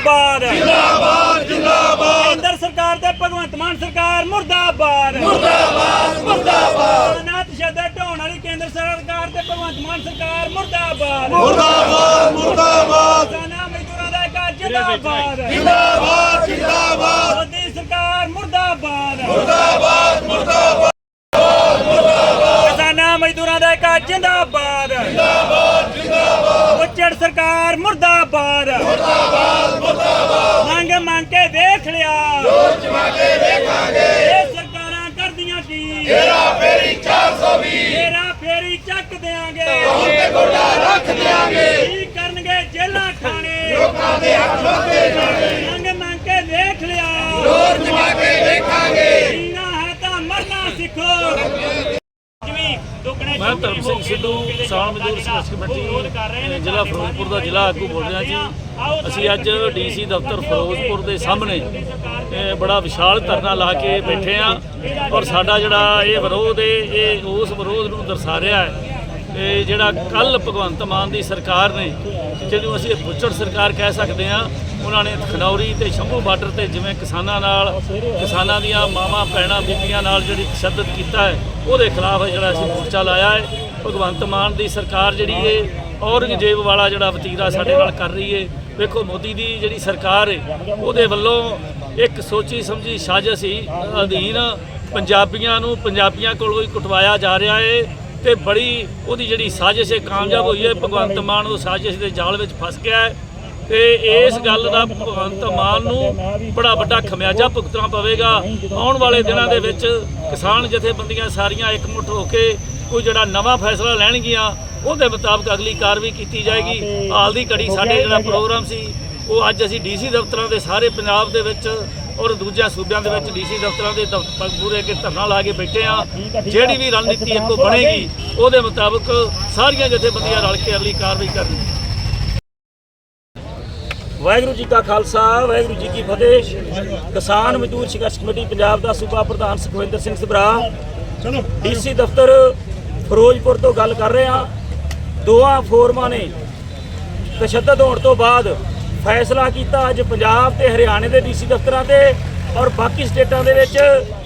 जिंदाबाद जिंदाबाद जिंदाबाद केंद्र सरकार ते भगवंत मान सरकार मुर्दाबाद मुर्दाबाद मुर्दाबाद नाथ शदत ढाउण वाली केंद्र सरकार ते भगवंत मान सरकार मुर्दाबाद मुर्दाबाद मुर्दाबाद किसानां मजदूरां दा इक जिंदाबाद जिंदाबाद जिंदाबाद मोदी सरकार मुर्दाबाद मुर्दाबाद मुर्दाबाद किसानां मजदूरां दा इक जिंदाबाद जिंदाबाद जिंदाबाद उच्चड़ सरकार मुर्दाबाद मुर्दाबाद मुर्दाबाद मंग मंग के देख लिया जोर जमा के देखांगे ये सरकारां करदियां की हेरा फेरी 420 हेरा फेरी चक देंगे ते गोडा रख देंगे की करनगे जेलां खाने लोकां दे हक मंगे जाने मंग मंग के देख लिया जोर जमा के देखांगे जीना है तो मरना सीखो मैं धर्म सिंह सिद्धू किसान मजदूर संघर्ष कमेटी ਜ਼ਿਲ੍ਹਾ ਫਿਰੋਜ਼ਪੁਰ ਦਾ ਜ਼ਿਲ੍ਹਾ ਆਗੂ ਬੋਲ ਰਿਹਾ ਜੀ। ਅਸੀਂ ਅੱਜ ਡੀਸੀ ਦਫ਼ਤਰ ਫਿਰੋਜ਼ਪੁਰ ਦੇ ਸਾਹਮਣੇ ਬੜਾ ਵਿਸ਼ਾਲ ਧਰਨਾ ਲਾ ਕੇ ਬੈਠੇ ਆ ਔਰ ਸਾਡਾ ਜਿਹੜਾ ਇਹ ਵਿਰੋਧ ਹੈ ਇਹ ਉਸ ਵਿਰੋਧ ਨੂੰ ਦਰਸਾ ਰਿਹਾ ਹੈ। ਇਹ ਜਿਹੜਾ ਕੱਲ ਭਗਵੰਤ ਮਾਨ ਦੀ ਸਰਕਾਰ ਨੇ ਜਿਹਨੂੰ ਅਸੀਂ ਬੁੱਚੜ ਸਰਕਾਰ ਕਹਿ ਸਕਦੇ ਹਾਂ, ਉਹਨਾਂ ਨੇ ਖਨੌਰੀ ਤੇ ਸ਼ੰਭੂ ਬਾਰਡਰ ਤੇ ਜਿਵੇਂ ਕਿਸਾਨਾਂ ਦੀਆਂ ਮਾਵਾਂ ਭੈਣਾਂ ਬੀਬੀਆਂ ਨਾਲ ਜਿਹੜੀ ਤਸ਼ੱਦਦ ਕੀਤਾ ਹੈ ਉਹਦੇ ਖਿਲਾਫ ਜਿਹੜਾ ਅਸੀਂ ਮੋਰਚਾ ਲਾਇਆ ਹੈ। ਭਗਵੰਤ ਮਾਨ ਦੀ ਸਰਕਾਰ ਜਿਹੜੀ ਹੈ ਔਰੰਗਜ਼ੇਬ ਵਾਲਾ ਜਿਹੜਾ ਵਤੀਰਾ ਸਾਡੇ ਨਾਲ ਕਰ ਰਹੀ ਹੈ। ਵੇਖੋ ਮੋਦੀ ਦੀ ਜਿਹੜੀ ਸਰਕਾਰ ਹੈ ਉਹਦੇ ਵੱਲੋਂ ਇੱਕ ਸੋਚੀ ਸਮਝੀ ਸਾਜ਼ਿਸ਼ ਹੀ ਅਧੀਨ ਪੰਜਾਬੀਆਂ ਕੋਲੋਂ ਹੀ ਕੁਟਵਾਇਆ ਜਾ ਰਿਹਾ ਹੈ ਤੇ ਬੜੀ ਉਹਦੀ ਜਿਹੜੀ ਸਾਜ਼ਿਸ਼ ਹੈ ਕਾਮਯਾਬ ਹੋਈ ਹੈ। ਭਗਵੰਤ ਮਾਨ ਉਹ ਸਾਜ਼ਿਸ਼ ਦੇ ਜਾਲ ਵਿੱਚ ਫਸ ਗਿਆ ਹੈ ਤੇ ਇਸ ਗੱਲ ਦਾ ਭਗਵੰਤ ਮਾਨ ਨੂੰ ਬੜਾ ਵੱਡਾ ਖਮਿਆਜਾ ਭੁਗਤਣਾ ਪਵੇਗਾ। ਆਉਣ ਵਾਲੇ ਦਿਨਾਂ ਦੇ ਵਿੱਚ ਕਿਸਾਨ ਜਥੇਬੰਦੀਆਂ ਸਾਰੀਆਂ ਇਕਮੁੱਠ ਹੋ ਕੇ ਕੋਈ ਜਿਹੜਾ ਨਵਾਂ ਫੈਸਲਾ ਲੈਣਗੀਆਂ ਉਹਦੇ ਮੁਤਾਬਕ ਅਗਲੀ ਕਾਰਵਾਈ ਕੀਤੀ ਜਾਏਗੀ। ਹਾਲ ਦੀ ਘੜੀ ਸਾਡੇ ਜਿਹੜਾ ਪ੍ਰੋਗਰਾਮ ਸੀ ਉਹ ਅੱਜ ਅਸੀਂ ਡੀਸੀ ਦਫ਼ਤਰਾਂ ਦੇ ਸਾਰੇ ਪੰਜਾਬ ਦੇ ਵਿੱਚ ਔਰ ਦੂਜਿਆਂ ਸੂਬਿਆਂ ਦੇ ਵਿੱਚ ਡੀਸੀ ਦਫ਼ਤਰਾਂ ਦੇ ਪੂਰੇ ਅੱਗੇ ਧਰਨਾ ਲਾ ਕੇ ਬੈਠੇ ਆ। ਜਿਹੜੀ ਵੀ ਰਣਨੀਤੀ ਇੱਕੋ ਬਣੇਗੀ ਉਹਦੇ ਮੁਤਾਬਕ ਸਾਰੀਆਂ ਜਥੇਬੰਦੀਆਂ ਰਲ ਕੇ ਅਗਲੀ ਕਾਰਵਾਈ ਕਰਨਗੀਆਂ। ਵਾਹਿਗੁਰੂ ਜੀ ਕਾ ਖਾਲਸਾ ਵਾਹਿਗੁਰੂ ਜੀ ਕੀ ਫਤਿਹ। ਕਿਸਾਨ ਮਜ਼ਦੂਰ ਸੰਘਰਸ਼ ਕਮੇਟੀ ਪੰਜਾਬ ਦਾ ਸੂਬਾ ਪ੍ਰਧਾਨ ਸੁਖਵਿੰਦਰ ਸਿੰਘ ਸਭਰਾ ਡੀਸੀ ਦਫ਼ਤਰ ਫਿਰੋਜ਼ਪੁਰ ਤੋਂ ਗੱਲ ਕਰ ਰਹੇ ਹਾਂ। ਦੋਵਾਂ ਫੋਰਮਾਂ ਨੇ ਤਸ਼ੱਦਦ ਹੋਣ ਤੋਂ ਬਾਅਦ ਫੈਸਲਾ ਕੀਤਾ ਅੱਜ ਪੰਜਾਬ ਤੇ ਹਰਿਆਣੇ ਦੇ ਡੀਸੀ ਦਫ਼ਤਰਾਂ ਤੇ ਔਰ ਬਾਕੀ ਸਟੇਟਾਂ ਦੇ ਵਿੱਚ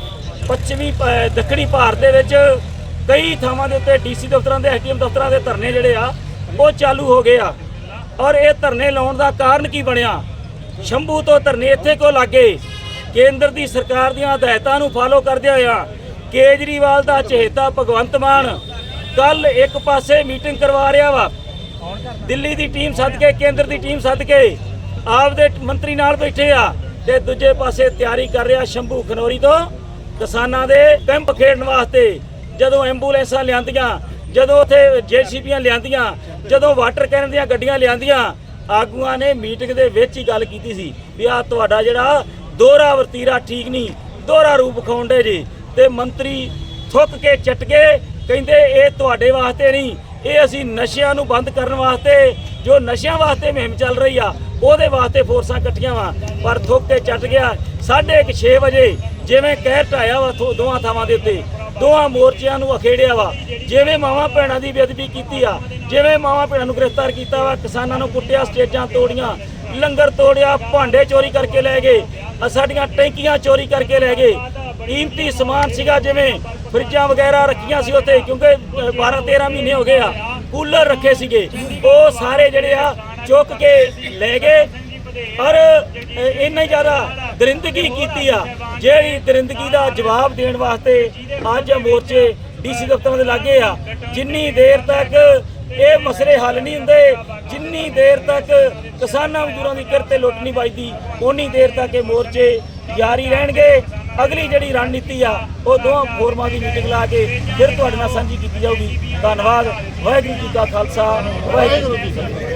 ਦੱਖਣੀ ਭਾਰਤ ਦੇ ਵਿੱਚ ਕਈ ਥਾਵਾਂ ਦੇ ਉੱਤੇ ਡੀਸੀ ਦਫ਼ਤਰਾਂ ਦੇ ਐਸਡੀਐਮ ਦਫ਼ਤਰਾਂ ਦੇ ਧਰਨੇ ਜਿਹੜੇ ਆ ਉਹ ਚਾਲੂ ਹੋ ਗਏ ਆ। ਔਰ ਇਹ ਧਰਨੇ ਲਾਉਣ ਦਾ ਕਾਰਨ ਕੀ ਬਣਿਆ? ਸ਼ੰਭੂ ਤੋਂ ਧਰਨੇ ਇੱਥੇ ਕਿਉਂ ਲੱਗੇ? ਕੇਂਦਰ ਦੀ ਸਰਕਾਰ ਦੀਆਂ ਹਦਾਇਤਾਂ ਨੂੰ ਫਾਲੋ ਕਰਦਿਆਂ ਹੋਇਆ ਕੇਜਰੀਵਾਲ ਦਾ ਚਹੇਤਾ ਭਗਵੰਤ ਮਾਨ ਕੱਲ ਇੱਕ ਪਾਸੇ ਮੀਟਿੰਗ ਕਰਵਾ ਰਿਹਾ ਵਾ, ਦਿੱਲੀ ਦੀ ਟੀਮ ਸੱਦ ਕੇ ਕੇਂਦਰ ਦੀ ਟੀਮ ਸੱਦ ਕੇ ਆਪਦੇ ਮੰਤਰੀ ਨਾਲ ਬੈਠੇ ਆ ਤੇ ਦੂਜੇ ਪਾਸੇ ਤਿਆਰੀ ਕਰ ਰਿਹਾ ਸ਼ੰਭੂ ਖਨੌਰੀ ਤੋਂ ਕਿਸਾਨਾਂ ਦੇ ਕੈਂਪ ਖੇਡਣ ਵਾਸਤੇ। ਜਦੋਂ ਐਂਬੂਲੈਂਸਾਂ ਲਿਆਂਦੀਆਂ, ਜਦੋਂ ਉੱਥੇ ਜੇਸੀਬੀਆਂ ਲਿਆਂਦੀਆਂ, ਜਦੋਂ ਵਾਟਰ ਕੈਨ ਦੀਆਂ ਗੱਡੀਆਂ ਲਿਆਂਦੀਆਂ, ਆਗੂਆਂ ਨੇ ਮੀਟਿੰਗ ਦੇ ਵਿੱਚ ਹੀ ਗੱਲ ਕੀਤੀ ਸੀ ਵੀ ਆਹ ਤੁਹਾਡਾ ਜਿਹੜਾ ਦੋਹਰਾ ਵਰਤੀਰਾ ਠੀਕ ਨਹੀਂ, ਦੋਹਰਾ ਰੂਪ ਵਿਖਾਉਂਦੇ ਜੀ। ਤੇ ਮੰਤਰੀ ਥੁੱਕ ਕੇ ਚਟਕੇ ਕਹਿੰਦੇ ਇਹ ਤੁਹਾਡੇ ਵਾਸਤੇ ਨਹੀਂ, ਇਹ ਅਸੀਂ ਨਸ਼ਿਆਂ ਨੂੰ ਬੰਦ ਕਰਨ ਵਾਸਤੇ, ਜੋ ਨਸ਼ਿਆਂ ਵਾਸਤੇ ਮੁਹਿੰਮ ਚੱਲ ਰਹੀ ਆ ਉਹਦੇ ਵਾਸਤੇ ਫੋਰਸਾਂ ਇਕੱਠੀਆਂ ਵਾ। ਪਰ ਥੁੱਕ ਕੇ ਚੱਟ ਗਿਆ। 6:30 ਵਜੇ ਜਿਵੇਂ ਕਹਿਰ ਢਾਇਆ ਵਾ ਦੋਵਾਂ ਥਾਵਾਂ ਦੇ ਉੱਤੇ, ਦੋਵਾਂ ਮੋਰਚਿਆਂ ਨੂੰ ਅਖੇੜਿਆ ਵਾ। ਜਿਵੇਂ ਮਾਵਾਂ ਭੈਣਾਂ ਦੀ ਬੇਅਦਬੀ ਕੀਤੀ ਆ, ਜਿਵੇਂ ਮਾਵਾਂ ਭੈਣਾਂ ਨੂੰ ਗ੍ਰਿਫਤਾਰ ਕੀਤਾ ਵਾ, ਕਿਸਾਨਾਂ ਨੂੰ ਕੁੱਟਿਆ, ਸਟੇਜਾਂ ਤੋੜੀਆਂ, ਲੰਗਰ ਤੋੜਿਆ, ਭਾਂਡੇ ਚੋਰੀ ਕਰਕੇ ਲੈ ਗਏ, ਸਾਡੀਆਂ ਟੈਂਕੀਆਂ ਚੋਰੀ ਕਰਕੇ ਲੈ ਗਏ। ਕੀਮਤੀ ਸਮਾਨ ਸੀਗਾ ਜਿਵੇਂ ਫਰਿੱਜਾਂ ਵਗੈਰਾ ਰੱਖੀਆਂ ਸੀ ਉੱਥੇ, ਕਿਉਂਕਿ 12-13 ਮਹੀਨੇ ਹੋ ਗਏ ਆ, ਕੂਲਰ ਰੱਖੇ ਸੀਗੇ, ਉਹ ਸਾਰੇ ਜਿਹੜੇ ਆ ਚੁੱਕ ਕੇ ਲੈ ਗਏ। ਔਰ ਇੰਨੀ ਜ਼ਿਆਦਾ ਦਰਿੰਦਗੀ ਕੀਤੀ ਆ, ਜਿਹੜੀ ਦਰਿੰਦਗੀ ਦਾ ਜਵਾਬ ਦੇਣ ਵਾਸਤੇ ਅੱਜ ਮੋਰਚੇ ਡੀਸੀ ਦਫ਼ਤਰਾਂ ਦੇ ਲਾਗੇ ਆ। ਜਿੰਨੀ ਦੇਰ ਤੱਕ ਇਹ ਮਸਲੇ ਹੱਲ ਨਹੀਂ ਹੁੰਦੇ, ਜਿੰਨੀ ਦੇਰ ਤੱਕ ਕਿਸਾਨਾਂ ਮਜ਼ਦੂਰਾਂ ਦੀ ਕਿਰਤ ਤੇ ਲੁੱਟ ਨਹੀਂ ਵੱਜਦੀ, ਓਨੀ ਦੇਰ ਤੱਕ ਇਹ ਮੋਰਚੇ ਜਾਰੀ ਰਹਿਣਗੇ। ਅਗਲੀ ਜਿਹੜੀ ਰਣਨੀਤੀ ਆ ਉਹ ਦੋਵਾਂ ਫੋਰਮਾਂ ਦੀ ਮੀਟਿੰਗ ਲਾ ਕੇ ਫਿਰ ਤੁਹਾਡੇ ਨਾਲ ਸਾਂਝੀ ਕੀਤੀ ਜਾਊਗੀ। ਧੰਨਵਾਦ। ਵਾਹਿਗੁਰੂ ਜੀ ਕਾ ਖਾਲਸਾ ਵਾਹਿਗੁਰੂ ਜੀ ਕੀ ਫਤਿਹ।